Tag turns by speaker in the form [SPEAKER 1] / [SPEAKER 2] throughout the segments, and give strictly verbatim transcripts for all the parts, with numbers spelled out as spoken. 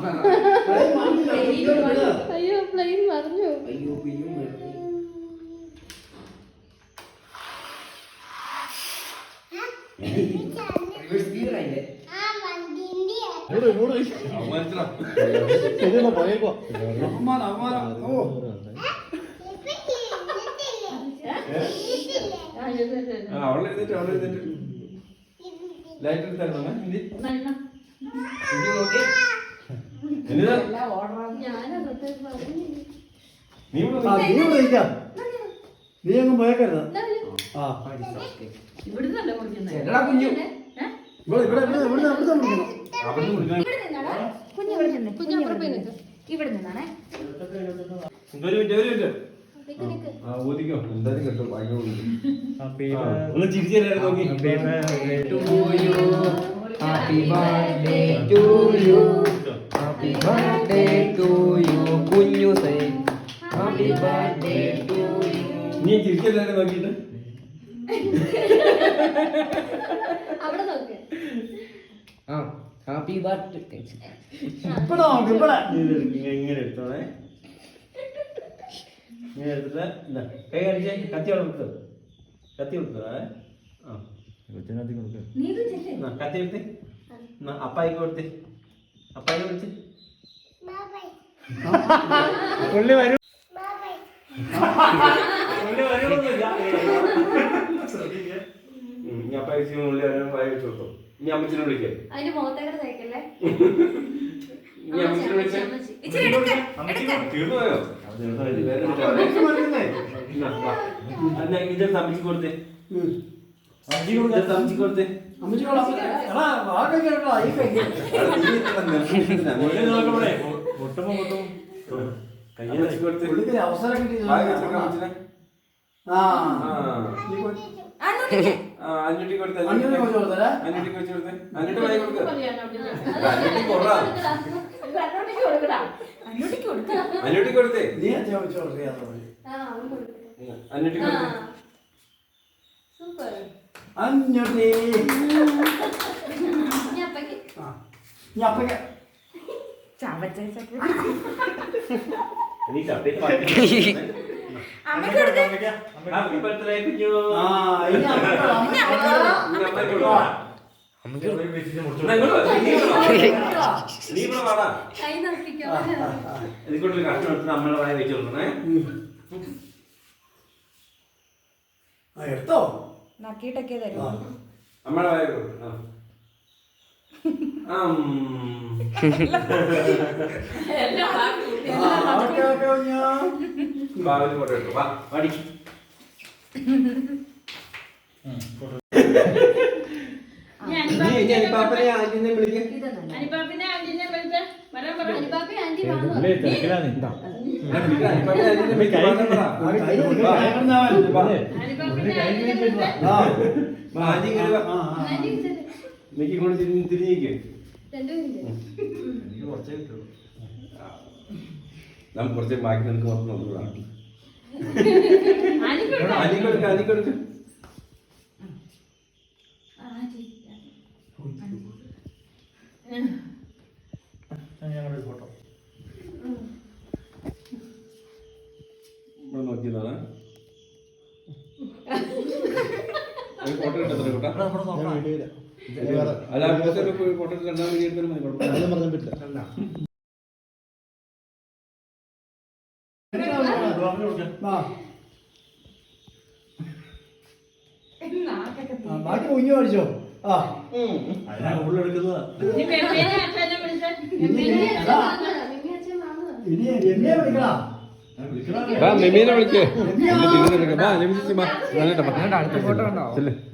[SPEAKER 1] അയ്യോ പ്ലെയിൻ മറിഞ്ഞു.
[SPEAKER 2] അയ്യോ പിയും
[SPEAKER 3] അവളെ എഴുതിട്ട് അവളെ എഴുതിട്ട് ലൈറ്റ് എടുത്തായിരുന്നു
[SPEAKER 4] നീ അങ്ങ് പോയേക്കരുത്.
[SPEAKER 3] കുഞ്ഞു
[SPEAKER 4] ഇവിടെ ഇവിടെ ഇവിടെ ഇവിടെ
[SPEAKER 1] ഇവിടെ നിന്നാണേ.
[SPEAKER 3] ഒരു മിനിറ്റ് ഒരു മിനിറ്റ് ഊതിക്കോ എന്തായാലും കേട്ടോ ഭയങ്കര ഒന്ന് ചിരിച്ചായിരുന്നു നോക്കി.
[SPEAKER 2] Happy birthday to you happy birthday to you കുഞ്ഞു say happy birthday to you.
[SPEAKER 3] നീ ചിരിച്ചല്ലാരും നോക്കിയിട്ട്
[SPEAKER 1] അവിടെ നോക്ക്.
[SPEAKER 2] ആ ഹാപ്പി ബർത്ത്ഡേ.
[SPEAKER 4] ഇവിടെ നോക്ക് ഇവിടെ.
[SPEAKER 3] ഇങ്ങനെ എടുത്തോണേ. ഇങ്ങനെ എടുത്തിട്ട് എന്താ കൈ കാണിച്ചേ. കത്തി അവിടെ കൊടുത്തോ. കത്തി കൊടുത്തോ. ആ കത്തി കൊടുത്തേ. കത്തി എടുത്തേ. അപ്പായിക്ക് കൊടുത്തേ. അപ്പായി വിളിച്ച് പുള്ളി വരും. ഇനി അപ്പായി ഉള്ളി പായ വെച്ച് കൊടുത്തോ. ഇനി അമ്മച്ചിനെ വിളിക്കേ.
[SPEAKER 1] അതിന്റെ മുഖത്തേക്ക് തേക്കല്ലേ.
[SPEAKER 3] ഇനി അമ്മച്ചിനെ വിളിച്ചേ. തീർന്നു പോയോ? ഇത് അമ്മച്ചി കൊടുത്തേ. അമ്മച്ചി കൊടുത്തേ.
[SPEAKER 4] അവസരം കിട്ടി.
[SPEAKER 3] അഞ്ഞൂറ്റി കൊടുത്തേ. അഞ്ഞൂറ്റി വെച്ച് കൊടുത്തേ. അഞ്ഞൂറ്റി വെച്ച് കൊടുത്തേ. അഞ്ഞൂറ്റി വായി കൊടുക്ക. അഞ്ഞൂറ്റി കൊറാ. അഞ്ഞൂറ്റി കൊടുത്തേ.
[SPEAKER 4] നീ അച്ഛൻ വെച്ച് കൊടുത്തേ.
[SPEAKER 3] അഞ്ഞൂറ്റി കൊടുത്തേ.
[SPEAKER 1] സൂപ്പർ.
[SPEAKER 4] അഞ്ഞൂറ്റി.
[SPEAKER 1] ഞാൻ അപ്പക്ക്
[SPEAKER 4] ഞാൻ അപ്പക്ക്
[SPEAKER 3] നീ ചപ്പേറ്റ് പാടി.
[SPEAKER 1] അമ്മക്ക് കൊടുത്തേ.
[SPEAKER 3] ഹാപ്പി ബർത്ത്ഡേ കുഞ്ഞു.
[SPEAKER 4] ആ ഇനി അപ്പക്ക്
[SPEAKER 3] അമ്മക്ക് കൊടുക്ക. അമ്മക്ക് നീ ഇവിടെ വാടാ.
[SPEAKER 1] കൈ നോക്കിക്കോ.
[SPEAKER 3] ഇതിക്കൊണ്ടൊരു കഷ്ണം എടുത്ത് നമ്മളെ വായ വെച്ച് കൊടുക്കണേ.
[SPEAKER 4] ആ എടുത്തോ.
[SPEAKER 1] നക്കിയിട്ടൊക്കെ തരും.
[SPEAKER 3] നമ്മളെ വായ കൊടുക്കും. ബാബുവിന് ഫോട്ടോ എടുക്കും. വാ വാടി. അനിപ്പാപ്പനെ ആന്റിനെ വിളിക്കും.
[SPEAKER 1] അനിപ്പാപ്പിനെ ആന്റിനെ വിളിച്ച് വരാൻ പറ. അനിപ്പാപ്പി ആന്റി വാങ്ങും.
[SPEAKER 3] എനിക്ക് കൊണ്ട് തിരിഞ്ഞേക്ക്. നമുക്ക് കുറച്ച് ബാക്കി നിനക്ക് മൊത്തം നോക്കുന്നതാണ്. അനിക്കൊടുക്ക അനിക്കൊടുക്ക.
[SPEAKER 4] ഫോട്ടോ
[SPEAKER 3] നോക്കിയതാണ്. ഫോട്ടോ എടുത്തത്ര കൂട്ടാ. അല്ല ഫോട്ടോ രണ്ടാം വീഡിയോ എടുത്താലും മതി. കുഴപ്പമില്ല.
[SPEAKER 4] ബാക്കി കുഞ്ഞു പഠിച്ചോ. ആ ഉള്ളെടുക്കുന്നത് ഇനി എന്നെ വിളിക്കടാ.
[SPEAKER 3] മെമീനെ വിളിക്കേ.
[SPEAKER 2] അടുത്ത ഫോട്ടോ ഉണ്ടോ?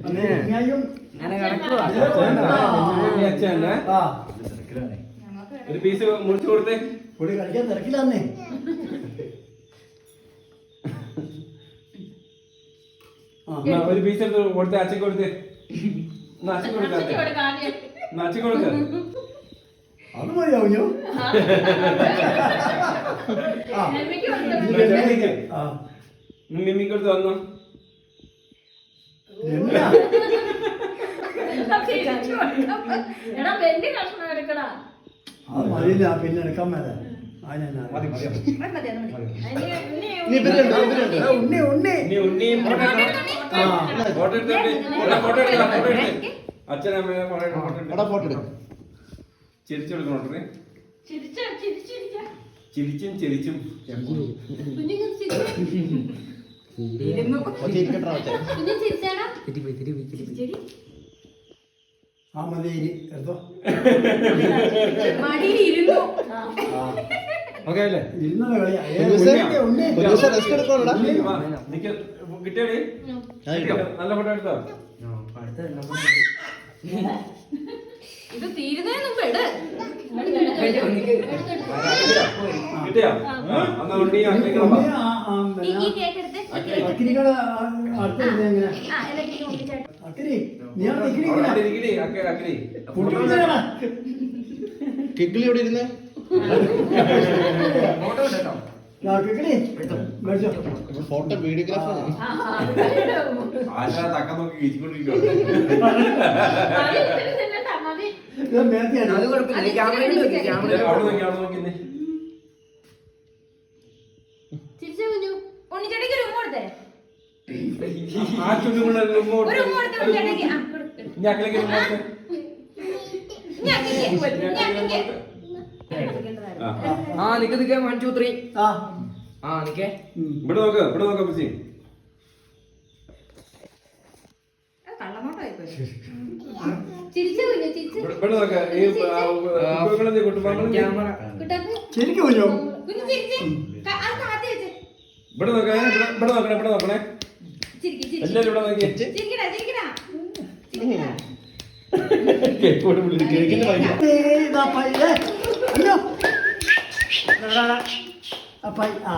[SPEAKER 3] ഒരു പീസ് മുറിച്ചു കൊടുത്തേ.
[SPEAKER 4] പൊടി കളിക്കാൻ തിരക്കില്ലാന്നേ.
[SPEAKER 3] ഒരു പീസ് എടുത്ത് കൊടുത്തേ. അച്ഛക്ക് കൊടുത്തേ. അച്ഛക്ക് കൊടുക്കാത്തേ. അച്ഛക്ക് കൊടുക്ക.
[SPEAKER 4] അത് മതിയോ കുഞ്ഞു.
[SPEAKER 3] മിമ്മിക്ക് കൊടുത്ത് വന്നു.
[SPEAKER 4] അത് മതിയില്ല പിന്നെ എടുക്കാൻ മേലെ അതിനെന്നാ
[SPEAKER 1] അത് മതി, അത് മതി. അതിന് ഉണ്ണി,
[SPEAKER 2] ഇനി ഇവരുണ്ട് ഇവരുണ്ട്
[SPEAKER 4] എടാ, ഉണ്ണി ഉണ്ണി
[SPEAKER 3] ഇനി ഉണ്ണിയും ഫോട്ടോ എടുത്തോ.
[SPEAKER 4] ആ
[SPEAKER 3] ഫോട്ടോ എടുത്തോട്ടെ. എടാ, ഫോട്ടോ എടുക്കാം, ഫോട്ടോ എടുക്ക്. അച്ഛനമ്മയെ ഫോട്ടോ എടുക്ക്, ഫോട്ടോ എടുക്ക്.
[SPEAKER 2] എടാ ഫോട്ടോ എടുക്കും
[SPEAKER 3] ചിരിച്ചു കൊടുക്കണോട്ടെ.
[SPEAKER 1] ചിരിച്ചോ, ചിരിച്ചിരിച്ചോ.
[SPEAKER 3] ചിരിച്ചും ചിരിച്ചും
[SPEAKER 1] കുഞ്ഞിങ്ങനെ ചിരിച്ചോ. ഇരുന്നു.
[SPEAKER 2] ചിരിക്കട്ടാ
[SPEAKER 1] കുഞ്ഞ് ചിരിച്ചാടാ. ചിരിച്ചെടി.
[SPEAKER 4] ആ മതി ഇനി എടുത്തോ
[SPEAKER 1] മടിയിൽ ഇരുന്നു.
[SPEAKER 3] ഓക്കെ അല്ലേ?
[SPEAKER 4] ഇരുന്ന കളിയാ ഏ,
[SPEAKER 2] കുഞ്ഞുസേ,
[SPEAKER 4] ഉണ്ണി, ഉണ്ണി.
[SPEAKER 2] കുഞ്ഞുസേ റെസ്റ്റ് എടുക്കണോടാ
[SPEAKER 3] വാ, നിക്ക്. കിട്ടിയോടി? നല്ല ഫോട്ടോ എടുത്തോ?
[SPEAKER 1] ഇത് തീരുന്നതിന് മുമ്പ് ഇട്.
[SPEAKER 3] കിട്ടിയോ? ആ, എന്നാ ഉണ്ണി അക്കിരിക്കണം.
[SPEAKER 4] ഉണ്ണി, ആ, ആ,
[SPEAKER 1] ഈ
[SPEAKER 4] പിന്നെ
[SPEAKER 1] ഈ കേക്ക് എടുത്ത്.
[SPEAKER 4] അക്കിരികള് അടുത്ത് ഇരുന്ന് എങ്ങനെ
[SPEAKER 1] ആ, എല്ലാത്തിനും ഒന്നിച്ചായിട്ട്.
[SPEAKER 4] അക്കിരി നീ ആ
[SPEAKER 3] അവിടെ
[SPEAKER 4] അക്കിരി
[SPEAKER 3] അവിടെ ഇരിക്കടി, അക്കി- അക്കിരി.
[SPEAKER 2] കിക്കിളി ഇവിടെ ഇരുന്നേ ഫോട്ടോ വീഡിയോഗ്രാഫർ
[SPEAKER 1] ആ, ആ, അത് ഇടും.
[SPEAKER 3] ആശ തക്ക നോക്കി കിച്ചിക്കൊണ്ടിരിക്കുകയാണ്.
[SPEAKER 1] മതി, ഇതിന് തിന്നണ്ട, മതി.
[SPEAKER 2] അത് കുഴപ്പമില്ല ക്യാമറയിൽ വെക്ക്, ക്യാമറയിൽ
[SPEAKER 3] അവിടെ നോക്കി അവിടെ നോക്കി
[SPEAKER 1] ചിരിച്ചോ കുഞ്ഞു. ഉണ്ണിച്ചേട്ടയ്ക്ക് ഒരു ഉമ്മ കൊടുത്തേ.
[SPEAKER 3] ആ ചുണ്ടുകൊണ്ട് ഒരു ഉമ്മ കൊടുത്ത്.
[SPEAKER 1] ഒരു ഉമ്മ കൊടുത്തേ ഉണ്ണിച്ചേട്ടയ്ക്ക്. ആ, കൊടുക്ക്.
[SPEAKER 3] ഇനി അക്കിലേക്ക് ഒരു ഉമ്മ കൊടുത്ത്.
[SPEAKER 1] ഇനി ആക്കിക്കേ. ഇനി ആക്കിക്കേ.
[SPEAKER 3] ആ.
[SPEAKER 2] ആ നിക്ക് നിക്ക് വൺ ടു ത്രീ
[SPEAKER 4] ആ
[SPEAKER 2] ആ നിക്കേ
[SPEAKER 3] ഇവിടെ നോക്ക്, ഇവിടെ നോക്ക് അപ്പച്ചി.
[SPEAKER 1] അത് കള്ളനോട്ടമായിപ്പോയി. ചിരിച്ചോ കുഞ്ഞു, ചിരിച്ചോ.
[SPEAKER 3] ഇവിടെ ഇവിടെ നോക്ക്. ഈ ആ, കുട്ടികളെന്ത് കുട്ടുപാമ്പ്
[SPEAKER 2] ക്യാമറ
[SPEAKER 1] കുട്ടാപ്പി.
[SPEAKER 4] ശരിക്കും കുഞ്ഞോ
[SPEAKER 1] കുഞ്ഞു ചിരിച്ചേ. ക- അത് കാത്തി വെച്ചേ.
[SPEAKER 3] ഇവിടെ നോക്കണേ, ഇവിടെ- ഇവിടെ നോക്കണേ, ഇവിടെ നോക്കണേ.
[SPEAKER 1] ചിരിക്ക്, ചിരിക്ക്.
[SPEAKER 3] എല്ലാരും ഇവിടെ നോക്കി.
[SPEAKER 1] ചിരിക്കടാ, ചിരിക്കടാ. ചിരിക്കടാ.
[SPEAKER 3] കേക്കോട് വിളിച്ച് കേക്കിന്റെ ഭയങ്കര
[SPEAKER 4] ഇതാ പയ്യേ അയ്യോ ആ പൈ ആ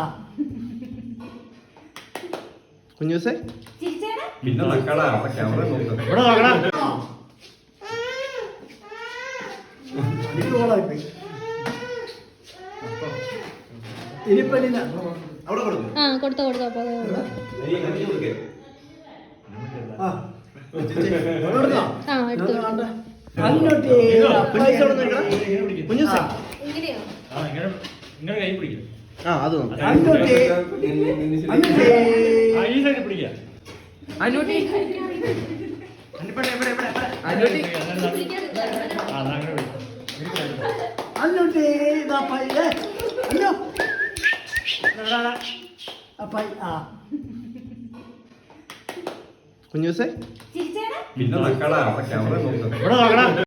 [SPEAKER 2] കുഞ്ഞുസേ
[SPEAKER 1] ചിരിച്ചേടാ.
[SPEAKER 3] പിന്നെ നക്കടാ അവിടെ ക്യാമറ നോക്കാം.
[SPEAKER 2] ഇവിടെ നോക്കടാ
[SPEAKER 4] അടിപൊളിയായിപ്പോയി ഇനിയിപ്പോ ഇല്ല
[SPEAKER 2] അവിടെ കൊടുക്കും
[SPEAKER 1] ആ കൊടുത്തോ കൊടുത്തോ അപ്പൊ
[SPEAKER 3] നീ കഞ്ഞി കൊടുക്കേ.
[SPEAKER 4] ആ കൊടുക്കാം
[SPEAKER 1] ആ എടുത്തു
[SPEAKER 4] അങ്ങോട്ട്
[SPEAKER 2] പൈസ അവിടെ നിൽക്കടാ കുഞ്ഞുസേ
[SPEAKER 1] ഇങ്ങനെയോ
[SPEAKER 2] ആ അത് നോക്കാം
[SPEAKER 4] അങ്ങോട്ട് അങ്ങോട്ട്
[SPEAKER 2] അനുട്ടി അനുട്ടി
[SPEAKER 4] അങ്ങോട്ട് ഇതാ പയ്യേ അയ്യോ ആ പൈ ആ
[SPEAKER 2] കുഞ്ഞുസേ
[SPEAKER 1] ചിരിച്ചേടാ.
[SPEAKER 3] പിന്നെ നക്കടാ അവിടെ ക്യാമറ നോക്കാം.
[SPEAKER 2] ഇവിടെ നോക്കടാ